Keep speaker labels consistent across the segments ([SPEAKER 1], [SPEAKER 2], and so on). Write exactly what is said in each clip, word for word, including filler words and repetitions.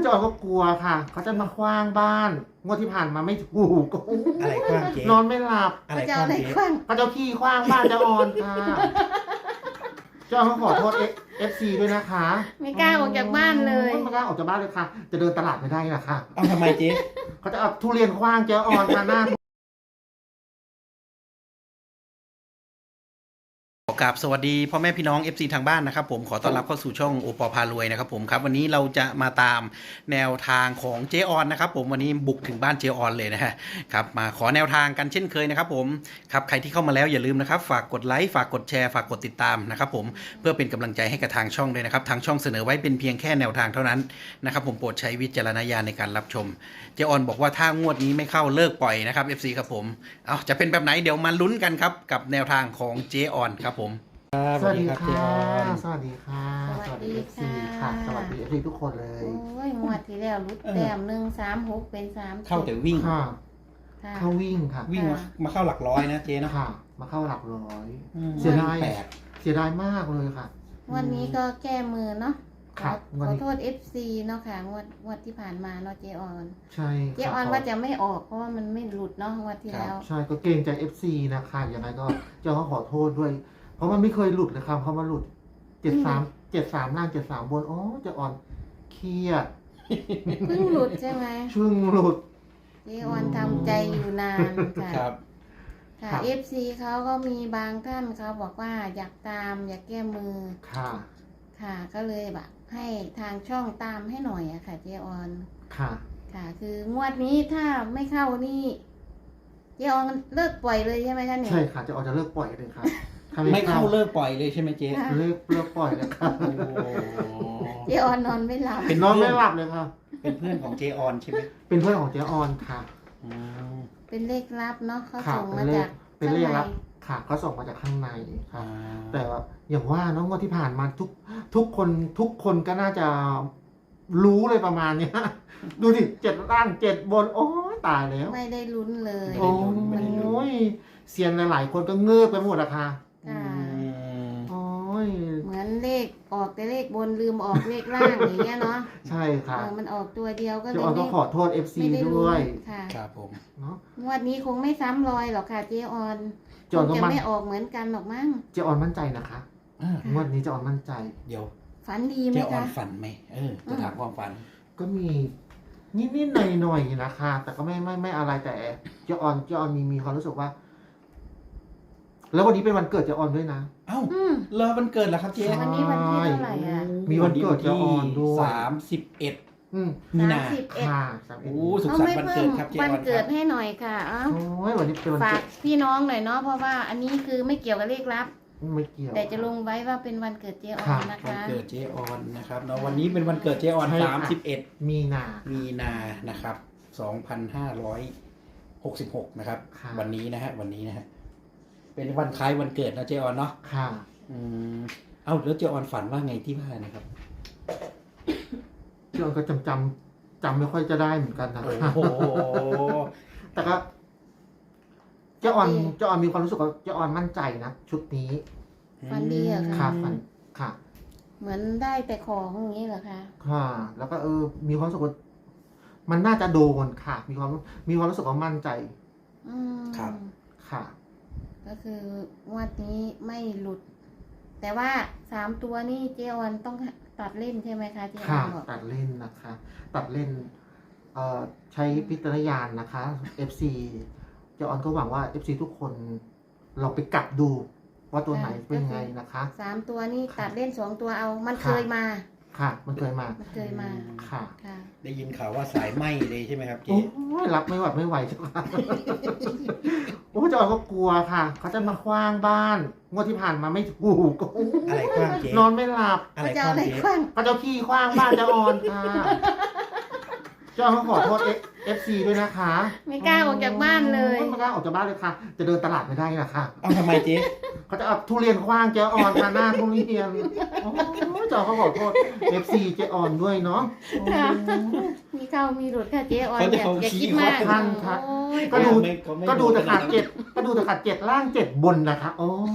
[SPEAKER 1] จอยก็กลัวค่ะเขาจะมาคว้างบ้านงวดที่ผ่านมาไม่ถูก
[SPEAKER 2] อะไรกว้างเจ๊
[SPEAKER 1] นอนไม่หลับ
[SPEAKER 2] อะไร
[SPEAKER 3] จะ
[SPEAKER 2] ก
[SPEAKER 3] เอา
[SPEAKER 2] ว้าง
[SPEAKER 3] อะไร
[SPEAKER 2] เจ๊
[SPEAKER 3] คว้าง
[SPEAKER 1] เขาจะขี้คว้างบ้านจะออนค่ะเจ้าเขาขอโทษเอฟซีด้วยนะคะ
[SPEAKER 3] ไม่กล้าออกจากบ้านเลย
[SPEAKER 1] ไม่กล้าออกจากบ้านเลยค่ะ จะเดินตลาดไม่ได้นะคะ
[SPEAKER 2] เอาทำไมเจ๊
[SPEAKER 1] เขาจะเอาทุเรียนคว้างเจ้าออนค่ะหน้า
[SPEAKER 2] กราบสวัสดีพ่อแม่พี่น้อง เอฟ ซี ทางบ้านนะครับผมขอต้อนรับเข้าสู่ช่องโอปอพารวยนะครับผมครับวันนี้เราจะมาตามแนวทางของเจออนนะครับผมวันนี้บุกถึงบ้านเจออนเลยนะฮะครับมาขอแนวทางกันเช่นเคยนะครับผมครับใครที่เข้ามาแล้วอย่าลืมนะครับฝากกดไลค์ฝากกดแชร์ฝากกดติดตามนะครับผมเพื่อเป็นกำลังใจให้กับทางช่องด้วยนะครับทางช่องเสนอไว้เป็นเพียงแค่แนวทางเท่านั้นนะครับผมโปรดใช้วิจารณญาณในการรับชมเจออนบอกว่าถ้างวดนี้ไม่เข้าเลิกปล่อยนะครับ เอฟ ซี ครับผมเอาจะเป็นแบบไหนเดี๋ยวมาลุ้นกันครับกับแนวทางของเจออนครับผม
[SPEAKER 1] สวัสดี
[SPEAKER 2] ครับเจ
[SPEAKER 1] ค่ะ
[SPEAKER 2] ออน
[SPEAKER 1] สวัสดีค่ะ
[SPEAKER 3] สวัสดี
[SPEAKER 1] เอฟซี
[SPEAKER 3] ค่ะ
[SPEAKER 1] ค่ะ สวัสดีเอฟซีทุกคนเลย
[SPEAKER 3] โอ้ยงวดที่แล้วรุดแต้มหนึ่งสามหกเป็นสาม
[SPEAKER 2] เข้าแต่วิ่ง
[SPEAKER 1] ค่ะ
[SPEAKER 3] ค่ะ
[SPEAKER 1] เข้าวิ่งค่ะ
[SPEAKER 2] วิ่งมามาเข้าหลักร้อยนะเจ๊นะ
[SPEAKER 1] ค่ะ มาเข้าหลักร้อย
[SPEAKER 2] อืม
[SPEAKER 1] เสียดาย
[SPEAKER 2] แปด
[SPEAKER 1] เสียดายมากเลยค่ะ
[SPEAKER 3] งวันนี้ก็แก้มือเนาะข
[SPEAKER 1] ครั
[SPEAKER 3] อบ
[SPEAKER 1] วัน
[SPEAKER 3] ขอ
[SPEAKER 1] นี้
[SPEAKER 3] โทษ เอฟ ซี เนาะค่ะงวดงวดที่ผ่านมาเนาะเจออน
[SPEAKER 1] ใช่
[SPEAKER 3] เจออนว่าจะไม่ออกเพราะว่ามันไม่หลุดเนาะงวดที่แล้ว
[SPEAKER 1] ใช่ก็เกรงใจ เอฟ ซี นะคะยังไงก็เจ้าเขาขอโทษด้วย เพราะมันไม่เคยหลุดเลยครับเขามาหลุดเจ็ดสามเจ็ดสามล่างเจ็ดสามบนอ๋อเจะอ่อนเครียด
[SPEAKER 3] เพิ่งหลุดใช่ไหม
[SPEAKER 1] ช่วงหลุด
[SPEAKER 3] เจออนทำใจอยู่นานค่ะ
[SPEAKER 2] ครับ
[SPEAKER 3] ค่ะ
[SPEAKER 1] ครับ
[SPEAKER 3] เอฟซีเขาก็มีบางท่านเขาบอกว่าอยากตามอยากแก้มือ
[SPEAKER 1] ค่ะ
[SPEAKER 3] ค่ะ ก็เลยแบบให้ทางช่องตามให้หน่อยอะค่ะเจออน
[SPEAKER 1] ค่ะ
[SPEAKER 3] ค่ะ คืองวดนี้ถ้าไม่เข้านี่เจออนเลิกปล่อยเลยใช่ไหมคะเนี่ย
[SPEAKER 1] ใช่ค่ะเจะอ่อนจะเลิกปล่อยเลยค่ะถ้า
[SPEAKER 2] ไม่เข้าเลิกปล่อยเลยใช่ไหมเจ๊
[SPEAKER 3] ค่ะ
[SPEAKER 1] เลิกเลิกปล่อยเลยค่ะ
[SPEAKER 2] โอ้
[SPEAKER 3] เจออนนอนไม่หลับ
[SPEAKER 2] เป็น
[SPEAKER 1] นอน
[SPEAKER 2] เพื่
[SPEAKER 1] ไม่
[SPEAKER 2] อน
[SPEAKER 1] หลับเลยค่ะ
[SPEAKER 2] เป็นเพื่อนของเจออนใช่ไหม
[SPEAKER 1] เป็นเพื่อนของเจ๊ออนค่ะ
[SPEAKER 2] อืม
[SPEAKER 3] เป็นเลขลับเนาะเขา
[SPEAKER 1] ค่ะ
[SPEAKER 3] ส่ง
[SPEAKER 1] เป็
[SPEAKER 3] มาน
[SPEAKER 1] เล
[SPEAKER 3] จา
[SPEAKER 1] ข
[SPEAKER 3] ก
[SPEAKER 1] เป็นเลขลับ
[SPEAKER 3] ข้างใน
[SPEAKER 1] ค่ะเขาส่งมาจากข้างในค่ะ
[SPEAKER 2] อ่า
[SPEAKER 1] แต่ว่าอย่างว่าน้องงวดที่ผ่านมาทุกทุกคนทุกคนก็น่าจะรู้เลยประมาณเนี้ย ดูดิเจ็ดล่างเจ็ดบน โอ้ยตายแล้ว
[SPEAKER 3] ไม่ได้ลุ้นเลย
[SPEAKER 1] โอ้ยเซียนหลายๆคนก็เงือบไปหมดอะค่ะ
[SPEAKER 2] อื
[SPEAKER 3] ค่ะ
[SPEAKER 2] ม
[SPEAKER 1] โอ้ย
[SPEAKER 3] เหมือนเลขออกแต่เลขบนลืมออกเลขล่างอย่างเงี้ยเนาะ
[SPEAKER 1] ใช่ค่ะ
[SPEAKER 3] เออมันออกตัวเดียวก็เล
[SPEAKER 1] เจ้าย ออนก็
[SPEAKER 3] ไม่
[SPEAKER 1] ขอโทษ เอฟ ซี
[SPEAKER 3] ไม่ได้
[SPEAKER 1] ด้
[SPEAKER 3] ลุ้
[SPEAKER 1] วย
[SPEAKER 3] นค่ะ
[SPEAKER 2] ครับผม
[SPEAKER 1] เนาะ
[SPEAKER 3] งวดนี้คงไม่ซ้ำรอยหรอกค่ะเจออน
[SPEAKER 1] เจ้าออน
[SPEAKER 3] ค
[SPEAKER 1] ก็
[SPEAKER 3] งจะ
[SPEAKER 1] มั่น
[SPEAKER 3] ไม่ออกเหมือนกันหรอกมั้ง
[SPEAKER 1] เจ้าออนมั่นใจนะคะ
[SPEAKER 2] อ่าง
[SPEAKER 1] วดนี้เจ้าออนมั่นใจ
[SPEAKER 2] เดี๋ยว
[SPEAKER 3] ฝันดีไห
[SPEAKER 2] เจ
[SPEAKER 3] ม
[SPEAKER 2] ออน
[SPEAKER 3] คะ
[SPEAKER 2] ฝันไหมเออจะถามความฝัน
[SPEAKER 1] ก็มีนิดๆหน่อยๆนะคะ แต่ก็ไม่ไม่ไม่อะไรแต่เจ้าออนเจ้าออนมีมีความรู้สึกว่า แล้ววันนี้เป็นวันเกิดเจ้าออนด้วยนะ
[SPEAKER 2] เอ้า
[SPEAKER 3] อืม
[SPEAKER 2] เลอวันเกิดแล้วครับเจ๊
[SPEAKER 3] วันนี้วันที่เท่าไหร่อะ
[SPEAKER 1] มีวันเกิดเจออนด้วย
[SPEAKER 2] สามสิบเอ็ด
[SPEAKER 1] อืม
[SPEAKER 2] มีนา
[SPEAKER 3] สามสิบเอ็ด
[SPEAKER 1] ค่ะสามเอ็ด
[SPEAKER 2] โอ้สุข
[SPEAKER 3] เขา
[SPEAKER 2] สัน
[SPEAKER 3] ไม่
[SPEAKER 2] ต์วัน
[SPEAKER 3] เพิ่
[SPEAKER 2] เกิ
[SPEAKER 3] ม
[SPEAKER 2] ดครับเจ๊อ
[SPEAKER 3] วั
[SPEAKER 2] อน น
[SPEAKER 3] เกิ
[SPEAKER 2] ค
[SPEAKER 3] ด
[SPEAKER 2] รับ
[SPEAKER 3] ให้หน่อยค่ะเอ้า
[SPEAKER 1] โอ้ยวันนี้เป็นวัน
[SPEAKER 3] ฝา
[SPEAKER 1] เกิ
[SPEAKER 3] ก
[SPEAKER 1] ด
[SPEAKER 3] พี่น้องหน่อยเนาะเพราะว่าอันนี้คือไม่เกี่ยวกับเลขลับ
[SPEAKER 1] ไม่เกี่ยว
[SPEAKER 3] แต่จะลงไว้ว่าเป็นวันเกิดเจออ
[SPEAKER 1] ค่ะ
[SPEAKER 3] นนะ
[SPEAKER 2] วัน
[SPEAKER 3] คะ
[SPEAKER 2] เกิดเจออนนะครับเนาะวันนี้เป็นวันเกิดเจออน
[SPEAKER 1] ใช่
[SPEAKER 2] สาม
[SPEAKER 1] ค่ะ
[SPEAKER 2] สิบเอ็ด
[SPEAKER 1] มีนา
[SPEAKER 2] มีนานะครับสองพันห้าร้อยหกสิบหกนะครับ
[SPEAKER 1] ค่ะ
[SPEAKER 2] วันนี้นะฮะวันนี้นะฮะเป็นวันคล้ายวันเกิดนะเจออนเนาะ
[SPEAKER 1] ค่ะ
[SPEAKER 2] อืมเอ้าแล้วเจออนฝันว่าไงที่ว่านะครับ
[SPEAKER 1] เจ้าออนก็จำจำจำไม่ค่อยจะได้เหมือนกันนะ
[SPEAKER 2] โอ้โห
[SPEAKER 1] แต่ก็เจ้าออนเจ้าออนมีความรู้สึกว่าเจ้าออนมั่นใจนะชุดนี้
[SPEAKER 3] ฝันดีเหรอ
[SPEAKER 1] ค่ะ
[SPEAKER 3] คะ
[SPEAKER 1] ฝันค่ะ
[SPEAKER 3] เหมือนได้แต่ของอย่างนี้เหรอคะ
[SPEAKER 1] ค่ะ แล้วก็เออ มีความรู้สึกว่ามันน่าจะโดนค่ะ มีความมีความรู้สึกว่ามั่นใจ
[SPEAKER 3] อืม
[SPEAKER 2] ครับ
[SPEAKER 1] ค่ะ
[SPEAKER 3] ก็คืองวดนี้ไม่หลุด แต่ว่าสามตัวนี่เจออนต้องตัดเล่นใช่ไหมคะเจออ
[SPEAKER 1] ค่ะ
[SPEAKER 3] นบอก
[SPEAKER 1] ตัดเล่นนะคะ ตัดเล่น เอ่อใช้พิจารณญาณนะคะ เอฟ ซี เจ้าออนก็หวังว่า เอฟ ซี ทุกคนเราไปกลับดู ว่าตัวไหนเป็นยังไงนะคะ
[SPEAKER 3] สามตัวนี่ตัดเล่นสองตัวเอา มัน
[SPEAKER 1] ค่ะ
[SPEAKER 3] เคยมา
[SPEAKER 1] ค่ะ มันเคยมา
[SPEAKER 3] มันเคยมา
[SPEAKER 1] ค่ะ
[SPEAKER 3] ค่ะ
[SPEAKER 2] ได้ยินข่าวว่าสายไหมเลยใช่ไหมครับเจ๊
[SPEAKER 1] โอ้ยรับไม่ไหวไม่ไหวจ้ะค่ะ โอ้ยเจ้าออนก็กลัวค่ะ เขาจะมาคว้างบ้านงวดที่ผ่านมาไม่ถูก
[SPEAKER 2] อะไรกว้างเจ๊
[SPEAKER 1] นอนไม่หลับ
[SPEAKER 2] อะไร
[SPEAKER 3] จะ
[SPEAKER 2] ก
[SPEAKER 3] เอา
[SPEAKER 2] ว้าง
[SPEAKER 3] อะไร
[SPEAKER 2] เจ๊
[SPEAKER 3] คว้าง
[SPEAKER 1] เขาจะขี้คว้างบ้านเจ้าออนค่ะ เจ้าออนก็ขอโทษเอฟซีด้วยนะคะ
[SPEAKER 3] ไม่กล้าออกจากบ้านเลย
[SPEAKER 1] ไม่กล้าออกจากบ้านเลยค่ะ จะเดินตลาดไม่ได้นะคะ
[SPEAKER 2] เอาทำไมเจ๊
[SPEAKER 1] เขาจะเอาทุเรียนคว้างเจ้าออนค่ะหน้าทุเรียนโอ้ยเจ้าเขาขอโทษเอฟซีเจ้าออนด้วยเนาะ
[SPEAKER 3] ค่ะ มีเข้ามีหลุดค่ะเจออน
[SPEAKER 2] เขา
[SPEAKER 3] อ
[SPEAKER 2] จะ
[SPEAKER 3] ย่า
[SPEAKER 2] เอา
[SPEAKER 3] อย่า
[SPEAKER 2] ขี้
[SPEAKER 3] คิดมาก
[SPEAKER 1] ท่านค่ะ
[SPEAKER 3] โอ้ย
[SPEAKER 1] ก็ดู
[SPEAKER 2] ไม่เขาไม่
[SPEAKER 1] ก็ดูแต่ขาด
[SPEAKER 2] ขนานั้น
[SPEAKER 1] เจ็ดก็ดูแต่ขาดเจ็ดล่างเจ็ดบนนะคะ โอ้ย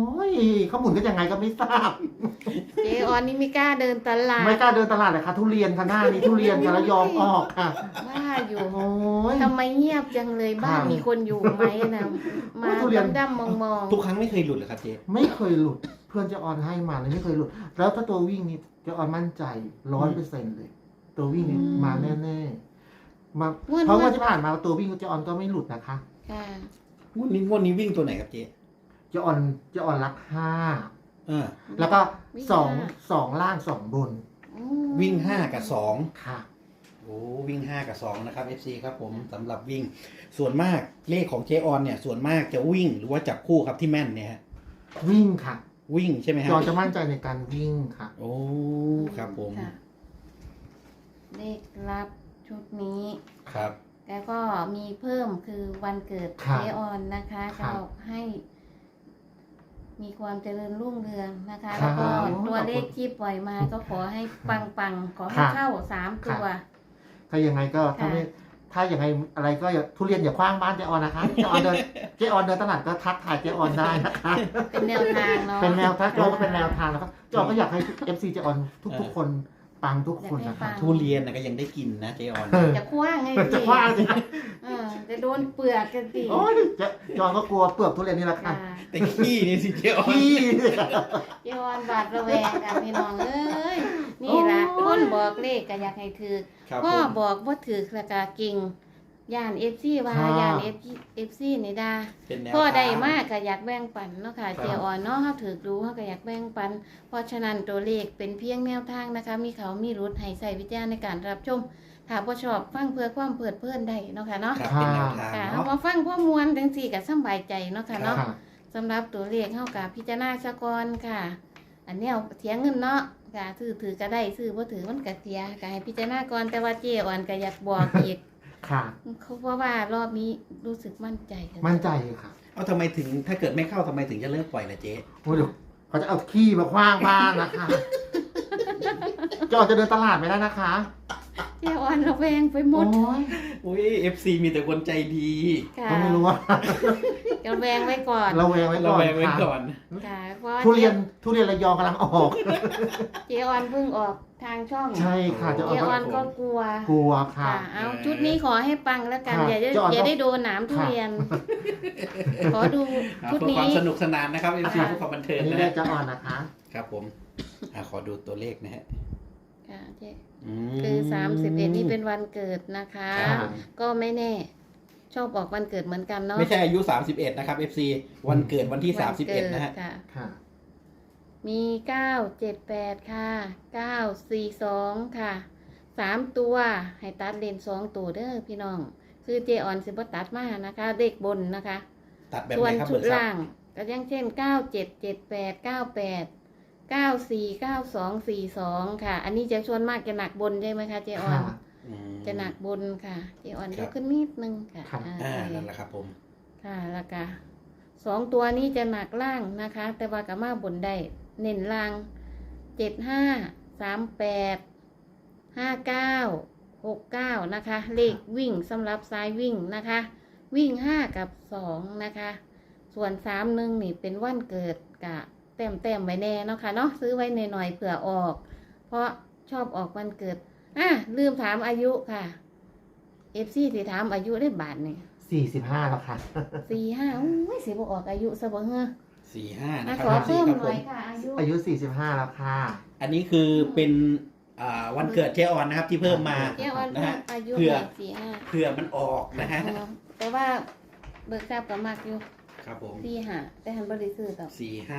[SPEAKER 1] ยเขาหมุนกันยังไงก็ไม่ทราบ
[SPEAKER 3] เจออนนี่ไม่กล้าเดินตลาด
[SPEAKER 1] ไม่กล้าเดินตลาดเลยค่ะทุเรียนค่ะหน้านี้ทุเรียนค่ะระยองออกค่ะ
[SPEAKER 3] ว่าอยู่
[SPEAKER 1] โอ้ย
[SPEAKER 3] ทำไมเงียบจังเลยบ้าน
[SPEAKER 1] ค่ะ
[SPEAKER 3] มีคนอยู่ไหมนะมา
[SPEAKER 1] ทุเรียน
[SPEAKER 3] ดำๆมอง
[SPEAKER 2] ทุกครั้งไม่เคยหลุดเลยครับเจ๊
[SPEAKER 1] ไม่เคยหลุดเพื่อนเจะออนให้มาเลยไม่เคยหลุด แล้วถ้าตัววิ่งนี่เจะออนมั่นใจร้อยเปอร์เซ็นต์เลย ตัววิ่งนี่มาแน่ๆมาเพราะว่าที่ผ่านมาตัววิ่งเจะออนก็ไม่หลุดนะคะ
[SPEAKER 3] ๆค่ะ
[SPEAKER 2] งวดนี้งวดนี้วิ่งตัวไหนครับเจ๊
[SPEAKER 1] เจะออนเจะออนรักห้า
[SPEAKER 2] เออ
[SPEAKER 1] แล้วก็
[SPEAKER 3] วิ่ง
[SPEAKER 1] สอง
[SPEAKER 3] ห้า
[SPEAKER 1] สองล่างสองบน
[SPEAKER 3] อืม
[SPEAKER 2] วิ่งห้ากับสอง
[SPEAKER 1] ค่ะ
[SPEAKER 2] โอ้วิ่งห้ากับสองนะครับ เอฟ ซี ครับผมสำหรับวิ่งส่วนมากเลขของเจออนเนี่ยส่วนมากจะวิ่งหรือว่าจับคู่ครับที่แม่นเนี่ยฮะ
[SPEAKER 1] วิ่งค่ะ
[SPEAKER 2] วิ่งใช่ไหมฮะ
[SPEAKER 1] จอนจะมั่นใจในการวิ่งค่ะ
[SPEAKER 2] โอ้ครับผม
[SPEAKER 3] ค่ะเลขลับชุดนี้
[SPEAKER 2] ครับ
[SPEAKER 3] แล้วก็มีเพิ่มคือวันเกิด
[SPEAKER 1] ครับ
[SPEAKER 3] เจออนนะคะ
[SPEAKER 1] ครั
[SPEAKER 3] ก็
[SPEAKER 1] บ
[SPEAKER 3] ให้ มีความเจริญรุ่งเรืองนะคะ
[SPEAKER 1] ครั
[SPEAKER 3] แล้
[SPEAKER 1] บ
[SPEAKER 3] วก็
[SPEAKER 1] ขอบคุณ
[SPEAKER 3] ตัวเลขที่ปล่อยมาก็ขอให้ปังปังๆขอให้
[SPEAKER 1] ครับ
[SPEAKER 3] เข้าสามตัว
[SPEAKER 1] ถ้ายังไงก็ถ้าไม่ถ้าอย่างไรอะไรก็อย่าทุเรียนอย่าคว้างบ้านเจออนนะคะเจออนเดินเจออนเดินตลาดก็ทักทายเจออนได้นะคะ
[SPEAKER 3] เป็นแนวทางเนาะ
[SPEAKER 1] เป็นแนวทางเราก็เป็นแนวทางนะครับเจออนก็อยากให้ เอฟ ซี เจออนทุกๆคนปังทุกคนนะคะ
[SPEAKER 2] ทุเรียนนะก็ยังได้กินนะเจออน
[SPEAKER 1] เออ
[SPEAKER 3] จะคว้างไง
[SPEAKER 1] จะคว้างสิ
[SPEAKER 3] เออจะโดนเปลือกกันสิ
[SPEAKER 1] โอ้ยเจจอนก็กลัวเปลือกทุเรียนนี่แหละค่ะ
[SPEAKER 3] ค่ะ
[SPEAKER 2] แต่ขี้นี่สิเจออน
[SPEAKER 1] พี่
[SPEAKER 3] เจออนบาดระแวงกันพี่น้องเอ้ยนี่ละ
[SPEAKER 1] โอ้
[SPEAKER 3] ค
[SPEAKER 1] ย
[SPEAKER 3] นบอกเลขก็อยากให้ถือ
[SPEAKER 2] ครับ
[SPEAKER 3] พ่อ
[SPEAKER 2] ผม
[SPEAKER 3] บอกว่าถือแล้วก็กิ่งย่านเอฟซีว่า
[SPEAKER 1] ค่ะ
[SPEAKER 3] ย่านเอฟเอฟซีนี่ดา
[SPEAKER 2] เป็นแนว
[SPEAKER 3] พ่อ
[SPEAKER 2] ทาง
[SPEAKER 3] ได้มากก็อยากแบ่งปันเนาะค่ะ
[SPEAKER 1] ครับ
[SPEAKER 3] เจออนเนาะเฮาถือดูเฮาก็อยากแบ่งปัน เพราะฉะนั้นตัวเลขเป็นเพียงแนวทางนะคะ มีเขามีรุดให้ใส่วิจารณ์ในการรับชมถ้าบ่ชอบฟังเพื่อความเพลิดเพลินได้เนาะค่ะเนาะ
[SPEAKER 2] ครับเป็นแนวทาง
[SPEAKER 3] ค่ะเฮา
[SPEAKER 2] เนาะ
[SPEAKER 3] มาฟังพ่อมวลจังซี่ก็สำบายใจเนาะค่ะเนาะ
[SPEAKER 1] ค่ะ
[SPEAKER 3] สำหรับตัวเลขเฮากับพิจารณาซะก่อนค่ะ อันนี้เอาเถียงเงินเนาะค่ะถือถือก็ได้ซื้อบ่ถือมันก็เสียก็ให้พิจารณาก่อนแต่ว่าเจอ่อนก็อยากบอกอีก
[SPEAKER 1] ค่ะ
[SPEAKER 3] เขาเพราะว่ารอบนี้รู้สึกมั่นใจค่ะ
[SPEAKER 1] มั่นใจค่ะ
[SPEAKER 2] เอาทำไมถึงถ้าเกิดไม่เข้าทำไมถึงจะเลิกปล่อยล่ะเจ๊
[SPEAKER 1] โอ้ยเดี๋ยวเขาจะเอาขี้มาคว้างบ้านนะคะจอนจะเดินตลาดไม่ได้นะคะ
[SPEAKER 3] เจอ่อนระแวงไปหม
[SPEAKER 1] โอ้
[SPEAKER 3] ด
[SPEAKER 1] ย
[SPEAKER 2] อุ้ยเอฟซีมีแต่คนใจดี
[SPEAKER 3] ค่ะ
[SPEAKER 1] ก็ไม่รู้ว่า
[SPEAKER 3] ระแวงไว้ก่อน
[SPEAKER 1] เราแวงไว้
[SPEAKER 2] เรา
[SPEAKER 1] ก่อน
[SPEAKER 2] แวงไว้
[SPEAKER 1] ค่ะ
[SPEAKER 2] ก่อน
[SPEAKER 3] ค่ะเพราะว่า
[SPEAKER 1] ทุเรียนทุเรียนระยองกำลังออก
[SPEAKER 3] เจอ่อนเพิ่งออกทางช่อง
[SPEAKER 1] ใช่ค่ะจะ
[SPEAKER 3] เจ
[SPEAKER 1] ออก
[SPEAKER 3] อ่อนก็กลัว
[SPEAKER 1] กลัวค่ะ
[SPEAKER 3] ค่ะเอาชุดนี้ขอให้ปังแล้วกัน
[SPEAKER 1] ค่ะ
[SPEAKER 3] อย่าได้
[SPEAKER 1] เจอ่อน
[SPEAKER 3] อย่า
[SPEAKER 1] ก็
[SPEAKER 3] ได้โดนหนามทุเรียน ขอดู
[SPEAKER 2] ครับ
[SPEAKER 3] ชุด
[SPEAKER 2] เพื่อ
[SPEAKER 3] นี้
[SPEAKER 2] ความสนุกสนานนะครับเอฟซี
[SPEAKER 3] ค่ะ
[SPEAKER 2] เพื่อความบันเทิง
[SPEAKER 1] อันนี้
[SPEAKER 2] นะ
[SPEAKER 1] ได้
[SPEAKER 2] ฮะ
[SPEAKER 1] จะอ่อนนะคะ
[SPEAKER 2] ครับผมอ่ะขอดูตัวเลขนะฮะ
[SPEAKER 3] ค่ะเจ๊
[SPEAKER 2] อืม
[SPEAKER 3] คือสามสิบเอ็ดนี่เป็นวันเกิดนะคะ
[SPEAKER 2] ครับผม
[SPEAKER 3] ก็ไม่แน่ ชอบออกวันเกิดเหมือนกันเนาะ
[SPEAKER 2] ไม่ใช่อายุสามสิบเอ็ดนะครับ เอฟ ซี วันเกิดวันที่
[SPEAKER 3] วั
[SPEAKER 2] สามสิบเอ็ด
[SPEAKER 3] กิ
[SPEAKER 2] นะฮะ
[SPEAKER 3] ค่
[SPEAKER 1] ค่ะ
[SPEAKER 3] มีเก้าเจ็ดแปดค่ะเก้าสี่สองค่ะสามตัวให้ตัดเลนสองตัวเด้อพี่น้อง คือเจออนสิบตัดมานะคะเด็กบนนะคะ
[SPEAKER 2] ตัดแบบ
[SPEAKER 3] ส่
[SPEAKER 2] ไห
[SPEAKER 3] วน
[SPEAKER 2] นครับ
[SPEAKER 3] ชุ
[SPEAKER 2] เบิ
[SPEAKER 3] ด
[SPEAKER 2] ร์ดซับ
[SPEAKER 3] ล่างก็อยังเช่นเก้าเจ็ดเจ็ดแปดเก้าแปดเก้าสี่เก้าสองสี่สองค่ะ อันนี้จะชวนมากจะหนักบนใช่ไหมคะเจออน
[SPEAKER 1] ค่ะ
[SPEAKER 2] อืม
[SPEAKER 3] จะหนักบนค่ะเจออน
[SPEAKER 2] ครั
[SPEAKER 3] ย
[SPEAKER 2] บ
[SPEAKER 3] กขึ้นนิดนึงค่ะ
[SPEAKER 1] ครับ
[SPEAKER 3] อ่า
[SPEAKER 2] อ่า
[SPEAKER 3] โอเค
[SPEAKER 2] นั่นแหละครับผม
[SPEAKER 3] ค่ะแล้วก็สองตัวนี้จะหนักล่างนะคะ แต่ว่ากับมาบนได้เน้นล่างเจ็ดห้าสามแปดห้าเก้าหกเก้านะคะ เลขวิ่งสำหรับซ้ายวิ่งนะคะ วิ่งห้ากับสองนะคะ ส่วนสามหนึ่งนี่เป็นวันเกิดกะแต้มแต้มๆไว้แน่เนาะค่ะเนาะซื้อไว้หน่อยๆเผื่อออก เพราะชอบออกวันเกิดอ่ะลืมถามอายุค่ะเอฟซีที่ถามอายุได้บาทนี่
[SPEAKER 1] สี่สิบห้าแล้วค่ะ
[SPEAKER 3] สี่ห้าอุ้ยสิบออกอายุซะบ่เฮ้อ
[SPEAKER 2] สี่ห้า
[SPEAKER 3] อ่ะ
[SPEAKER 2] นะค
[SPEAKER 3] ขอ
[SPEAKER 2] รับ
[SPEAKER 3] เพิ่ม
[SPEAKER 2] ครับ
[SPEAKER 3] ห
[SPEAKER 2] ผ
[SPEAKER 3] น่อย
[SPEAKER 2] ม
[SPEAKER 3] ค่ะอายุ
[SPEAKER 1] อายุสี่สิบห้าแล้วค่ะ
[SPEAKER 2] อันนี้คือเป็นอ่าวันเกิดเจออนนะครับ ที่เพิ่มมา
[SPEAKER 3] เจ้าวัน
[SPEAKER 2] นะ
[SPEAKER 3] เพิ่
[SPEAKER 2] ฮะ
[SPEAKER 3] มอายุ
[SPEAKER 2] เผื่อ
[SPEAKER 3] แปดสี่ห้า
[SPEAKER 2] เผื่อมันออกนะฮะ
[SPEAKER 3] อ๋อแต่ว่าเบิกทราบกับมากอยู่
[SPEAKER 2] ครับผม
[SPEAKER 3] สี่ห้าแต่หันบริสุทธิ์ต่อ
[SPEAKER 2] สี่ห้า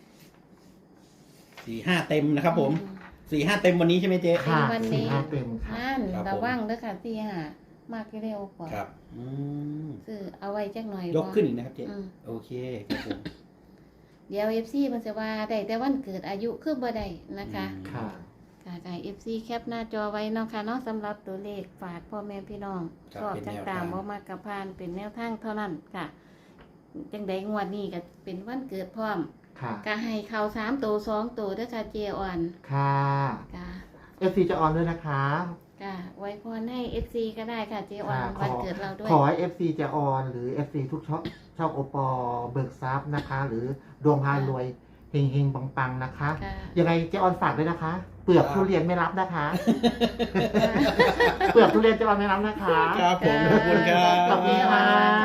[SPEAKER 2] สี่ห้าเต็มนะครับผม
[SPEAKER 3] อื
[SPEAKER 2] สี่ห้าเต็มวันนี้ใช่ไหมเจ๊
[SPEAKER 1] ค่ะ
[SPEAKER 3] วันนี้
[SPEAKER 1] สี่ห้าเต็มค่ะ
[SPEAKER 3] นั่น
[SPEAKER 2] ครับผม
[SPEAKER 3] ระวังเด้อค่ะสี่ห้ามากเร็วกว่า
[SPEAKER 2] ครับอืม
[SPEAKER 3] ซื้อเอาไว้จักหน่อย
[SPEAKER 2] ยกขึ้นอีกนะครับเจ๊
[SPEAKER 3] อืม
[SPEAKER 2] โอเคครับผม
[SPEAKER 3] เดี๋ยว เอฟ ซี มันจะว่าได้แต่วันเกิดอายุคือบ่ได้นะคะ
[SPEAKER 1] ค่ะ
[SPEAKER 3] ค่ะค่ะ เอฟ ซี แคปหน้าจอไว้เนาะค่ะเนาะสำหรับตัวเลขฝากพ่อแม่พี่น้อง
[SPEAKER 2] ครับ
[SPEAKER 3] ชอบ
[SPEAKER 2] เป็น
[SPEAKER 3] จั
[SPEAKER 2] แน
[SPEAKER 3] ง
[SPEAKER 2] ว
[SPEAKER 3] ตา
[SPEAKER 2] ทาม ง
[SPEAKER 3] บ่มากกับพานเป็นแนวทางเท่านั้นค่ะ จังใดงวดนี้ก็เป็นวันเกิดพร้อม
[SPEAKER 1] ค่ะ
[SPEAKER 3] ก็ให้เขาสามตัวสองตัวเด้อค่ะเจอ่อน
[SPEAKER 1] ค่ะ
[SPEAKER 3] ค่ะ
[SPEAKER 1] เอฟซีจะออนด้วยนะคะ
[SPEAKER 3] ค่ะไว้พรให้ เอฟ ซี ก็ได้ค่ะเจออน
[SPEAKER 1] ค่ะขอ
[SPEAKER 3] วันเกิดเราด้วย
[SPEAKER 1] ขอให้ เอฟ ซี เจออนหรือ เอฟ ซี ทุกช่องช่องโอปอเบิกทรัพย์นะคะ หรือดวงพารวยเฮงเฮงปังปังๆนะคะ
[SPEAKER 3] ค่ะ
[SPEAKER 1] ยังไงเจออนฝากด้วยนะคะ เปลือกทุเรียนไม่รับนะคะ เปลือกทุเรียนเจออนไม่รับนะคะ
[SPEAKER 2] ครับผมขอบคุณครับ
[SPEAKER 1] ขอบคุณค่ะ